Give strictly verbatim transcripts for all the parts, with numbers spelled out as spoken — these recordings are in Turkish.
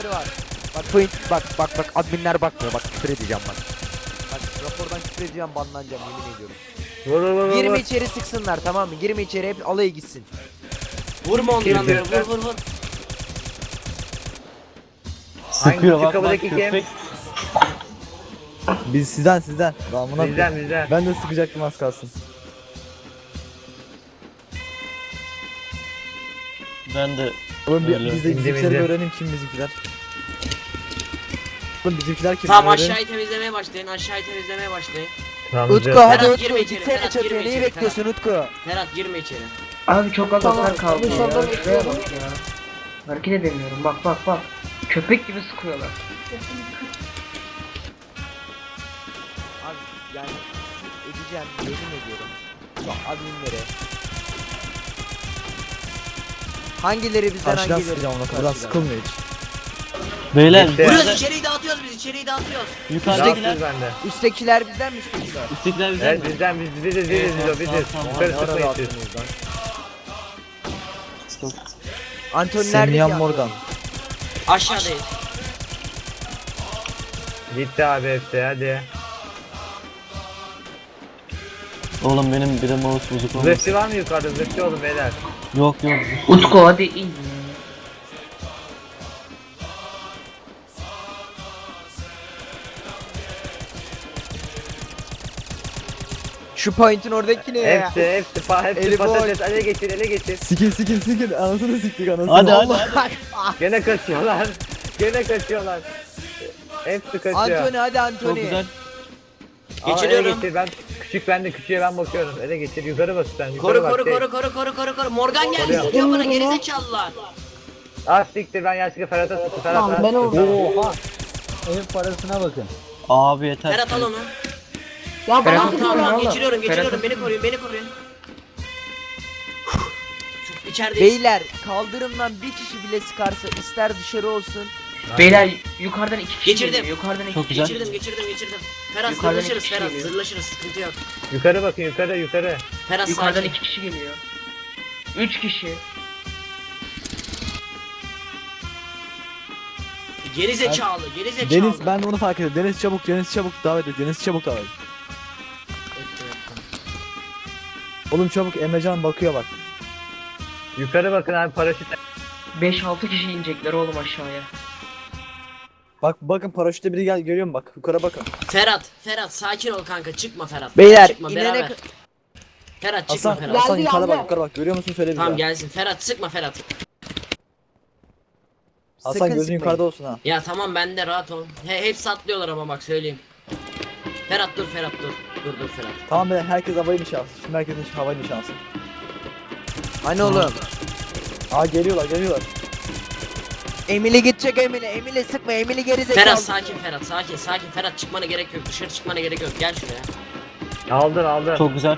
var. Bak point bak bak bak adminler bakmıyor bak küfür edeceğim bak. Bak rapordan küfür edeceğim banlanacağım yemin ediyorum. Vur vur vur. Girme vur. içeri sıksınlar tamam mı? Girme içeri hep alaya gitsin. Vurma onları Girdi. vur vur vur. Sıkıyor Hangi bak bak kapıdaki kim? köpek. Biz sizden sizden. Damına Bizden bizden. Ben de sıkacaktım az kalsın. Ben de Oğlum bir, Öyle. biz de İnce bizimkileri ince. bir öğrenelim kim bizimkiler. Oğlum bizimkiler kim? Tamam Öğrenin. aşağıyı temizlemeye başlayın. Aşağıyı temizlemeye başlayın. Tamam, Utku güzel. hadi Ferhat, Utku girme içeri, gitsene Ferhat, çatıya girme neyi içeri, bekliyorsun Utku? Ferhat girme içeri. Abi çok az hasar kaldı ya. dışarıda Şuraya bekliyorum. bak ya. Hareket edemiyorum. Bak bak bak. Köpek gibi sıkıyorlar. Abi yani edeceğim yemin ediyorum. Bak adminlere. Hangileri bizden Karşıdan hangileri? sıkacağım ona. Buradan Karşıdan. sıkılmıyor hiç. beyler Bitti. Vuruyoruz yukarıda- içeriği dağıtıyoruz biz içeriği dağıtıyoruz. yukarıdakiler Rahatsız bende. Üsttekiler bizden mi üsttekiler? üsttekiler bizden Evet mi? bizden biz biziz biziz Evet, biziz o biziz. tamam, tamam. Yukarı Ne ara çıkmayın siz. rahatsınız lan? Stop. Antony nerede Semyan ki Morgan. Antony? Aşağıdayız. Gitti abi hepsi hadi. Oğlum benim bir de mouse bozuk olmasın. Zırhçı var mı yukarıda? Zırhçı olun beyler. Yok yok. Utku hadi in. Şu point'in oradaki ne ya? Hepsi hepsi pa hepsi Eli patates ele geçir ele geçir. Sikin sikin sikin. Anasını siktik anasını. Hadi hadi. Allah. Gene kaçıyorlar. Gene kaçıyorlar. Hepsi kaçıyor. Antony hadi Çok Antony. güzel. Al, ele Geçiriyorum. geçir ben küçük bende küçüğe ben bakıyorum. Ele geçir yukarı bas sen yukarı Koru bak. koru şey. koru koru koru koru koru. Morgan geldi Koruyor. sıkıyor bana gerizekalılar. Ah siktir ben yaşlı Ferhat'a sıktı Ferhat. Tamam, ben Ferhat. oradayım. Oha. Ev parasına bakın. Abi yeter. Ferhat al onu. Ya bana Ferhat, Tamam sıkıyor tamam oğlum. geçiriyorum geçiriyorum Ferhat- beni koruyun beni koruyun. İçerideyiz. Beyler kaldırımdan bir kişi bile sıkarsa ister dışarı olsun. Beyler yukarıdan iki kişi Geçirdim. geliyor. Yukarıdan iki Çok kişi. güzel. Geçirdim geçirdim geçirdim. Ferhat Yukarıdan zırlaşırız iki Ferhat geliyor. zırlaşırız sıkıntı yok. Yukarı bakın yukarı yukarı. Ferhat Yukarıdan sakin. iki kişi geliyor. Üç kişi. Geri zekalı geri zekalı. Deniz ben de onu fark ettim. Deniz çabuk Deniz çabuk davet et. Deniz çabuk davet et. Oğlum çabuk Emrecan bakıyor bak. Yukarı bakın abi paraşüt. Beş altı kişi inecekler oğlum aşağıya. Bak bakın paraşütte biri gel görüyor musun bak yukarı bakın. Ferhat Ferhat sakin ol kanka çıkma Ferhat. Beyler çıkma inene beraber. Ferhat çıkma Hasan Ferhat. Hasan Geldi, yukarı bak geldi. yukarı bak görüyor musun söyle bir Tamam daha. gelsin Ferhat sıkma Ferhat. Hasan Sakın gözün sıkmayın. yukarıda olsun ha. Ya tamam ben de rahat ol. He, hepsi atlıyorlar ama bak söyleyeyim. Ferhat dur Ferhat dur. Dur dur Ferhat. Tamam beyler herkes havayı nişansın. Şimdi herkesin havayı nişansın. Hani oğlum? Aa geliyorlar geliyorlar. Emily gidecek Emily. Emily sıkma Emily geri zekalı. Ferhat sakin Ferhat sakin sakin Ferhat çıkmana gerek yok dışarı çıkmana gerek yok gel şuraya. Aldın aldın. Çok güzel.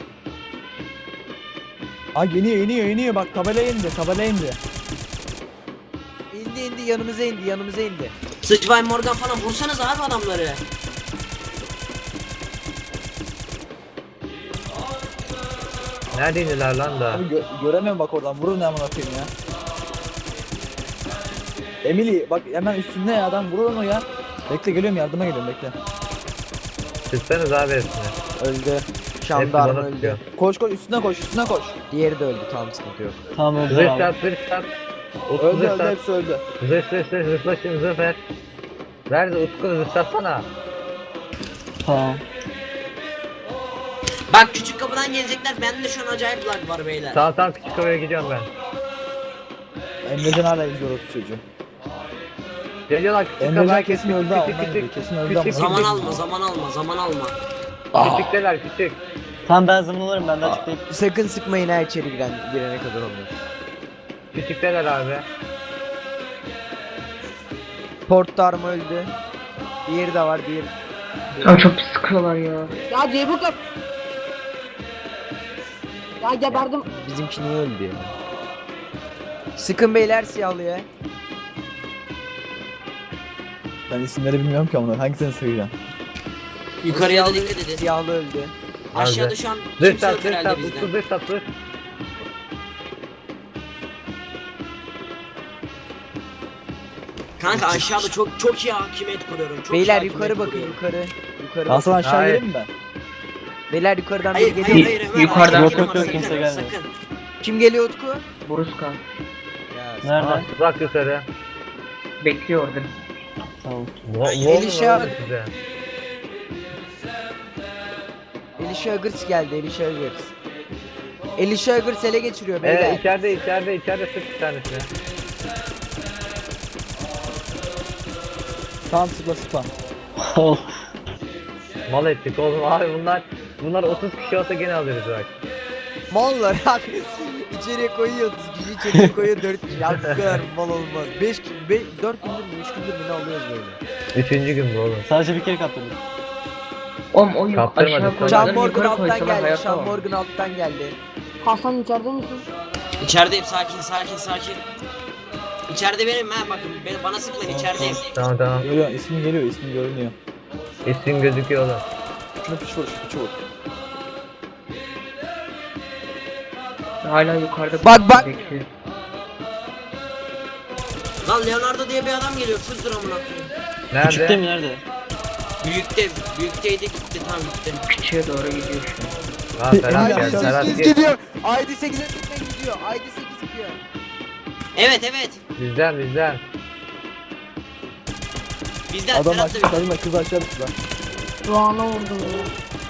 Aa iniyor iniyor iniyor bak tabela indi tabela indi. İndi indi yanımıza indi yanımıza indi. Sıçvay Morgan falan vursanız abi adamları. Nerede indiler lan da? Abi gö- göremiyorum bak oradan vurun ne amına koyayım ya. Emily bak hemen üstünde ya adam vurur onu ya. Bekle geliyorum yardıma geliyorum bekle. Sıksanız abi hepsini. Öldü. Hepsi Şamdarma bana öldü. sıkıyor. Koş koş üstüne koş üstüne koş. Diğeri de öldü tamam sıkıntı yok. Tamam öldü Zırh abi. sat zırh sat. Utku Öldü zırh öldü sat. hepsi öldü. Zırh zırh zırh zırhlaşın zırh ver. Ver de Utku zırh satsana. Tamam. Bak küçük kapıdan gelecekler bende de şu an acayip lag var beyler. Tamam tamam küçük havaya gidiyorum ben. Emrecan hala izliyor o çocuğu. Geliyorlar küçük Emrecan havaya kesin öldü ha ondan gidiyor kesin öldü ama. Zaman alma zaman alma zaman alma. Küçükteler küçük. Tamam ben zaman alırım ben de açık değil. Sakın sıkmayın ha içeri giren, girene kadar onu. Küçükteler abi. Port Darma öldü. Diğeri de var diğer. Abi çok pis sıkıyorlar ya. Ya Ceybuk yap. Ya geberdim. Bizimki niye öldü ya? Sıkın beyler siyahlıya. Ben isimleri bilmiyorum ki ama hangisini sayacağım. Yukarıya da Siyahlı- dikkat edin. Siyahlı öldü. Aşağıda şu an Zırh kimse sat yok zırh herhalde sat Utku bizden. zırh sat zırh. Kanka aşağıda çok çok iyi hakimiyet kuruyorum. Çok iyi Beyler hakimiyet yukarı bakın kuruyorum. yukarı. Yukarı Hasan bakın. aşağı Hayır. geleyim mi ben? Beyler yukarıdan Hayır biri hayır geliyor. hayır. Ömer, Yukarıdan- hayır, Yok, yok, yok, sakın, kimse gelmiyor. sakın. Kim geliyor Utku? Boruska. Ya, Nerede? Aa, bak yukarı. Bekliyor orada. Tamam. Ne Elisha- oldu size? Elisha Agırs geldi Elisha Agırs. Elisha Agırs ele geçiriyor beyler. Evet içeride içeride içeride sık bir tanesini. Tamam sıkla sıkla. Ol. Mal ettik oğlum abi bunlar bunlar otuz kişi olsa gene alırız bak. Mallar abi. İçeriye koyuyor otuz kişi, içeriye koyuyor dört kişi. Ya bu kadar mal olmaz. beş dört gündür mü üç gündür mü ne alıyoruz böyle. Üçüncü gün bu oğlum. Sadece bir kere kaptırdım. Oğlum o yu- Kaptırmadı. aşağı Sean Sean koysalar Morgan yukarı alttan koysalar geldi. hayatta Sean var. Morgan alttan geldi. Hasan içeride misin? İçerideyim sakin sakin sakin. İçeride benim ha bakın beni bana sıkmayın içerideyim. Tamam tamam. Görüyor ismin geliyor ismin görünüyor. İsim gözüküyor oğlum. Şunu piç vur şu piçi vur. Hala yukarıda Bak, bak. bekliyor. Lan Leonardo diye bir adam geliyor fızdır amına koyayım. Küçükte Nerede? mi nerede? Büyükte büyükteydi gitti tamam gitti. Küçüğe doğru gidiyor şu an. Aa Ferhat Emre geldi. aşağı Ferhat sekiz gel. gidiyor. I D sekize sıkmaya gidiyor. I D sekiz gidiyor. Evet evet. Bizden bizden. Bizden Adam Ferhat aşağı da sayma kız aşağı düştü lan. Doğan'a vurdum ya.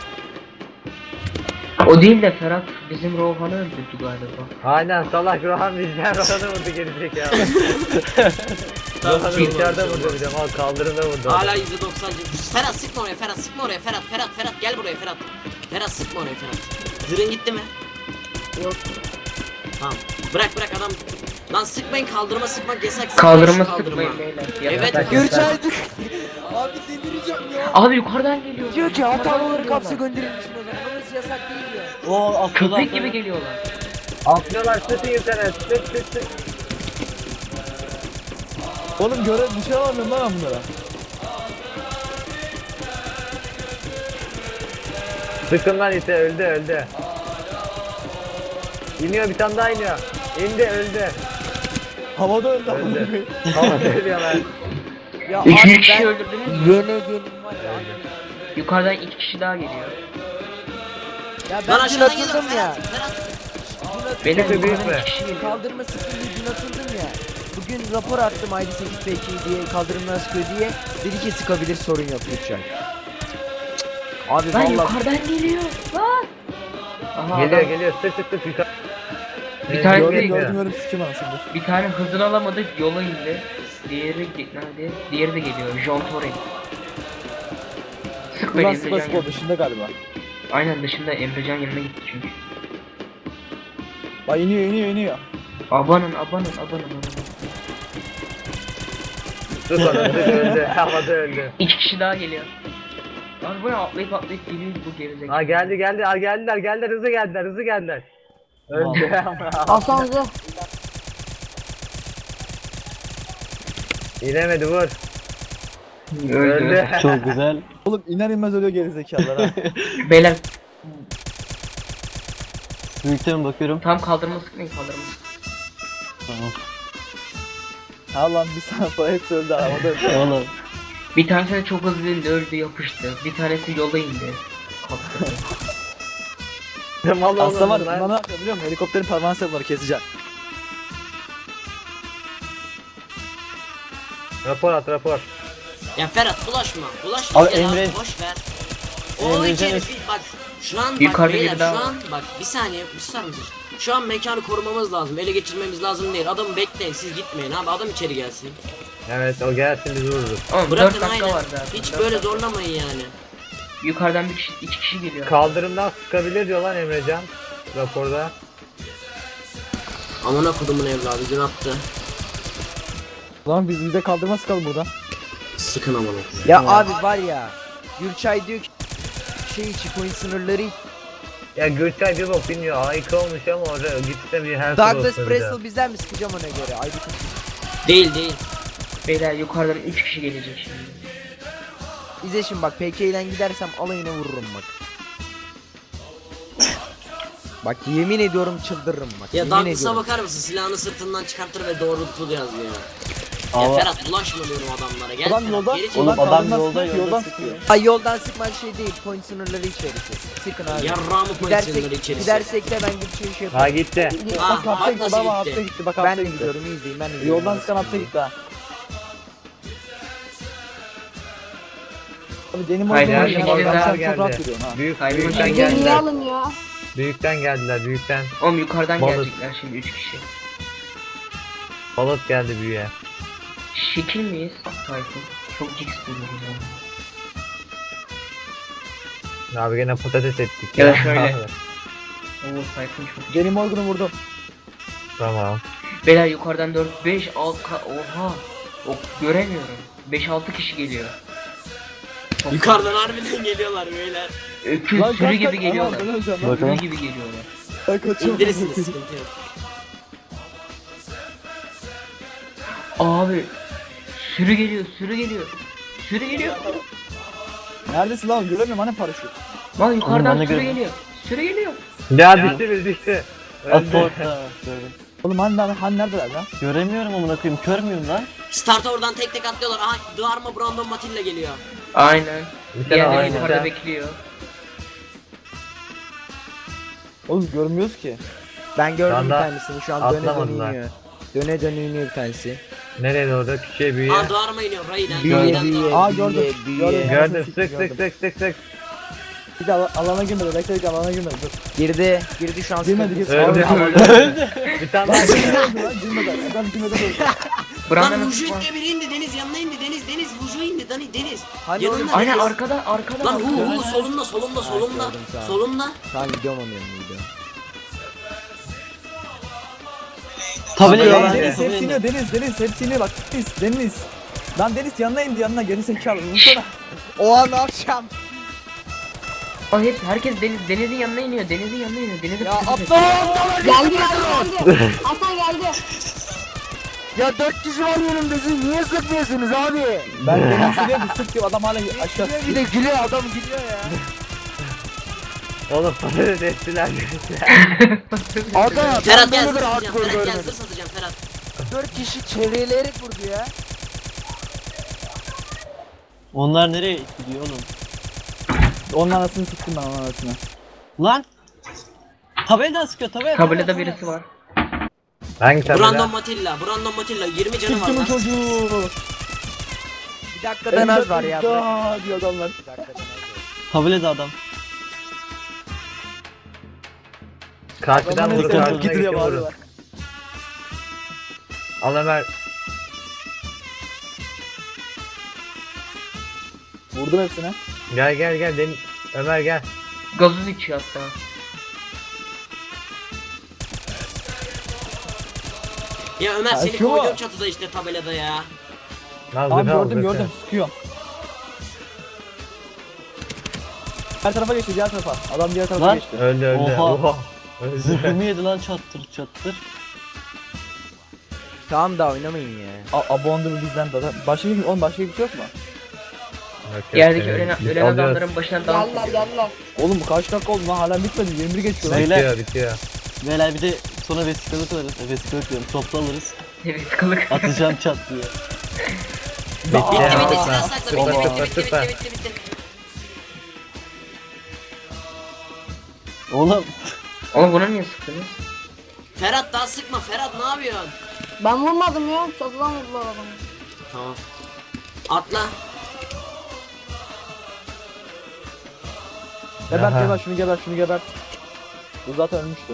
O değil de Ferhat bizim Rohan'ı öldürdü galiba. Aynen salak Rohan bizden Rohan'ı vurdu gerizekalı. Tamam, Rohan'ı şey içeride var, vurdu bir de ama kaldırımda vurdu. Hala yüzde doksan. Ferhat sıkma oraya Ferhat sıkma oraya Ferhat Ferhat Ferhat gel buraya Ferhat. Ferhat sıkma oraya Ferhat. Zırhın gitti mi? Yok. Tamam. Bırak bırak adam. Lan sıkmayın kaldırma sıkmak yasak. Sıkmayın Kaldırma şu kaldırma. sıkmayın beyler. Evet. Yasak. Gürçaydık. Abi delireceğim ya. Abi yukarıdan geliyor. Diyor ki Yukarıdan hatalı olarak geliyorlar. hapse gönderilmişsin o zaman. Orası yasak değil diyor. O atladı Köpek atladı. gibi geliyorlar. Atlıyorlar sıkın yukarı sık sık sık. Oğlum göre bir şey alamıyorum lan ben bunlara. Sıkın lan ite öldü öldü. İniyor bir tane daha iniyor. İndi öldü. Havada öldü. Öldü. Ama söylüyorlar. Ya Üçüncü abi kişi ben öldürdünüz mü? yene gelin var ya. Yukarıdan iki kişi daha geliyor. Ya Lan ben dün aşağıdan geliyor atıldım ya. Ferhat. Ferhat. Dün atıldım. Beyler Kötü büyük yukarıdan mü? iki kişi geliyor. Kaldırma sıkıntı dün atıldım ya. Bugün rapor attım I D sekiz P iki diye kaldırımdan sıkıyor diye. Dedi ki sıkabilir sorun yok lütfen. Abi Lan vallahi yukarıdan geliyor. Lan. Aha, Geliyor adam- geliyor sık sık sık yukarı. Bir tane Gördüm değil. gördüm gördüm sikim anasını. Bir tane hızını alamadık yola indi. Diğeri ge- nerede? Diğeri de geliyor. John Torrey. Sık beni Ulan Emrecan sıkla sıkla yanına. dışında galiba. Aynen dışında Emrecan yanına gitti çünkü. Bak iniyor iniyor iniyor. Abanın abanın abanın abanın. Sık onu sık öldü. Havada öldü. İki kişi daha geliyor. Arabaya atlayıp atlayıp geliyor bu gerizekalı. Aa geldi geldi. Aa geldiler geldiler hızlı geldiler hızlı geldiler. Öldü. Hasan zırh. İnemedi vur. Öldü. Öldü. Çok güzel. Oğlum iner inmez ölüyor gerizekalılar ha. Beyler Büyükte mi bakıyorum? tam kaldırma sıkmayın kaldırma. Tamam. Ha lan bir saniye sonra hepsi öldü havada öldü. Oğlum. Bir tanesi de çok hızlı indi öldü yapıştı. Bir tanesi yola indi. Kalktı. Mal Aslında var oğlum ya lan. bana ne yapıyor biliyor musun? Helikopterin pervanesi bunları keseceğim. Rapor at rapor. Ya Ferhat bulaşma. Bulaşma Abi gel Emre- abi boş ver. O Emre iki Can- herif bak şu an bak Yukarıda beyler biri daha şu var. an bak bir saniye bir saniye. Şu an mekanı korumamız lazım. Ele geçirmemiz lazım değil. Adamı bekleyin siz gitmeyin abi adam içeri gelsin. Evet o gelsin biz vururuz. Ama Bırakın dört dakika aynen. var zaten. Hiç dört böyle dakika. zorlamayın yani. Yukarıdan bir kişi, iki kişi geliyor. Kaldırımdan sıkabilir diyor lan Emrecan. Raporda. Amına kodumun evladı dün attı. Lan biz bize kaldırma sıkalım buradan. Sıkın amına. Ya abi var ya. Gürçay diyor ki şey checkpoint sınırları Ya Gürçay bir bok bilmiyor. Harika olmuş ama orada gitse bir her Douglas sorun Bristol bizden mi sıkacağım ona göre? I D sekiz. Değil değil. Beyler yukarıdan üç kişi gelecek şimdi. İzle şimdi bak P K ile gidersem alayına vururum bak. Bak yemin ediyorum çıldırırım bak. Ya yemin Douglas'a ediyorum. bakar mısın? Silahını sırtından çıkartır ve doğrultulu yazıyor ya. Ya Allah. Ferhat bulaşma diyorum adamlara. Gel Adam Ferhat, yoldan, geri çekil. Oğlum yoldan adam kaldırmaz yolda, sıkıyor, yolda yoldan sıkıyor. sıkıyor. Ay yoldan sıkman şey değil. Point sınırları içerisi. Sıkın abi. Yarrağımı Gidersek, pozisyonları içerisi. gidersek de ben gidip şey şey Ha yaparım. gitti. Ah, Bak hapse bak gitti, nasıl baba gitti. hapse gitti, bak Ben hapse de gitti. gidiyorum izleyin ben de gidiyorum. Yoldan sıkan hapse gitti ha. Abi benim Hayır, oyunum her oynuyor, şey bak, geldi. sen Geldi. çok rahat yürüyorsun ha. Büyük, Hayır, büyükten ben Gemiyi geldiler. alın ya. Büyükten geldiler büyükten. Oğlum yukarıdan Balık. gelecekler şimdi üç kişi. Balık geldi büyüye. Şekil miyiz? Tayfun. Çok jigs buluyoruz yani. Abi gene patates ettik Ya da şöyle. Abi. Oo Tayfun çok jigs. Benim Morgan'ı vurdum. Tamam. Beyler yukarıdan dört, beş, altı, oha. O göremiyorum. beş altı kişi geliyor. Çok- Yukarıdan harbiden geliyorlar beyler. Öküz Lan sürü kaç gibi kaç, geliyorlar. aman, ben öleceğim lan. Sürü Bakalım. gibi geliyorlar. Ben kaçıyorum. İndirirsiniz sıkıntı yok. Abi sürü geliyor, sürü geliyor. Sürü geliyor. Neredesin lan? Göremiyorum hani paraşüt. Lan ben yukarıdan de sürü gördüm. geliyor. Sürü geliyor. Ya düştü biz düştü. At Öldü. orta. Gördüm. Oğlum hani, hani, hani neredeler lan? Göremiyorum amına koyayım. Kör müyüm lan? Starta oradan tek tek atlıyorlar. Aha Dharma Brandon Matilla geliyor. Aynen. Bir tane Diğerleri aynı. yukarıda bekliyor. Oğlum görmüyoruz ki. Ben gördüm Şu bir anda tanesini şu an döne döne atlamadılar. iniyor. Döne döne iniyor bir tanesi. Nereye doğru? Küçüğe büyüye. Aha Dharma iniyor. Ray'den. Büyüye Ray'den büyüye Dharma. Aa, gördüm, büyüye büyüye. gördüm. Gördüm Sık, sık sık gördüm. sık sık sık. Bir de ala- alana girmedi. Bekle bekle alana girmedi. Dur. Girdi. Girdi şu an. Girmedi sıkıntı. girmedi. Öldü Abi, öldü. Bir tane daha Girmedi geldi. lan girmedi. Adam girmeden öldü. Lan Brandon'ın Vuju ile biri indi. Deniz yanına indi. Deniz Deniz. Vuju indi. Dani Deniz. Hani Yanında oğlum? Aynen Deniz. arkada arkada. Lan hu arkada. hu solunda solunda solunda. gördüm, tamam. Solunda. Tamam gidiyorum onun yanına gidiyorum. Tabela Abi, lan. Deniz, Deniz Tabela hepsi iniyor. indi. Deniz Deniz hepsi iniyor bak. Deniz Deniz. Lan Deniz yanına indi yanına geri zekalı. Vursana. Oha ne yapacağım? Aa, hep herkes deniz denizin yanına iniyor. Denizin yanına iniyor. Denizin Ya kızı aptal Geldi geldi geldi. Hasan geldi. Ya dört kişi var önümde siz niye sıkmıyorsunuz abi? Ben Deniz'i diyorum sık diyor adam hala aşağı Bir de gülüyor adam gülüyor ya. Oğlum patates ettiler. Adam Ferhat ben gel böyle zırh bir satacağım. hardcore Ferhat gel görmedim. zırh satacağım Ferhat. Dört kişi çevreleyerek vurdu ya. Onlar nereye gidiyor oğlum? Onun anasını sıktım ben onun anasını. Lan! Tabeladan sıkıyor tabela. Tabelada birisi var. Hangi tabela? Brandon Matilla. Brandon Matilla. yirmi canı var Sıktım lan. çocuğu. Bir dakikadan az var ya. Daha diyor adamlar. Bir dakikadan az var. Tabelada adam. Karşıdan Adamlar vur hepsi karşıdan gidiyor iki vurun. bağırıyorlar. Al Ömer. Vurdum hepsine. Gel gel gel. Deniz. Ömer gel. Gazoz içiyor hatta. Ya Ömer Ya seni şu koydum mu? çatıda işte tabelada ya. Al Tamam zırhı al, gördüm zırhı. gördüm sıkıyorum. Diğer tarafa geçti diğer tarafa. Adam diğer tarafa Lan. geçti. Öldü öldü. Oha. Oha. Öldü. Zırhımı yedi lan çattır çattır. Tamam da oynamayın ya. A Abondu bizden de. Başka bir oğlum başka bir şey yok mu? Yok, yok, Yerdeki evet. ölen, Biz ölen alıyoruz. adamların başına dans Geldiler ediyor. geldiler. Oğlum bu kaç dakika oldu lan hala bitmedi yirmi bir geçiyor lan. Beyler. Bitiyor bitiyor. Beyler bir de sonra vesikalık alırız. E, vesikalık diyorum. Toplu alırız. Evet kılık. Atacağım çat diye. Bitti Bitti ya. bitti Süper. silah sakla. Bitti Süper, bitti bitti süper. bitti bitti bitti. Oğlum. Oğlum buna niye sıktınız? Ferhat daha sıkma. Ferhat ne yapıyorsun? Ben vurmadım ya. Çatıdan vurdular adamı. Tamam. Atla. Gebert Aha. gebert şunu gebert şunu gebert. Bu zaten ölmüştü.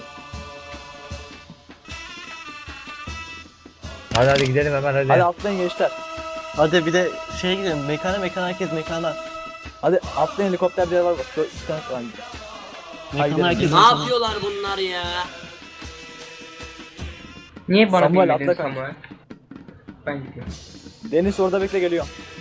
Hadi hadi gidelim Ömer hadi. Hadi atlayın gençler. Hadi bir de şeye gidelim. Mekana mekana herkes mekana. Hadi atlayın helikopter bir yer var bak. Şöyle iki tane falan. Mekana gidelim. herkes Ne mekana. yapıyorlar bunlar ya? Niye bana Samuel, bilmedin atla kanka. Samuel? Ben gidiyorum. Deniz orada bekle geliyor.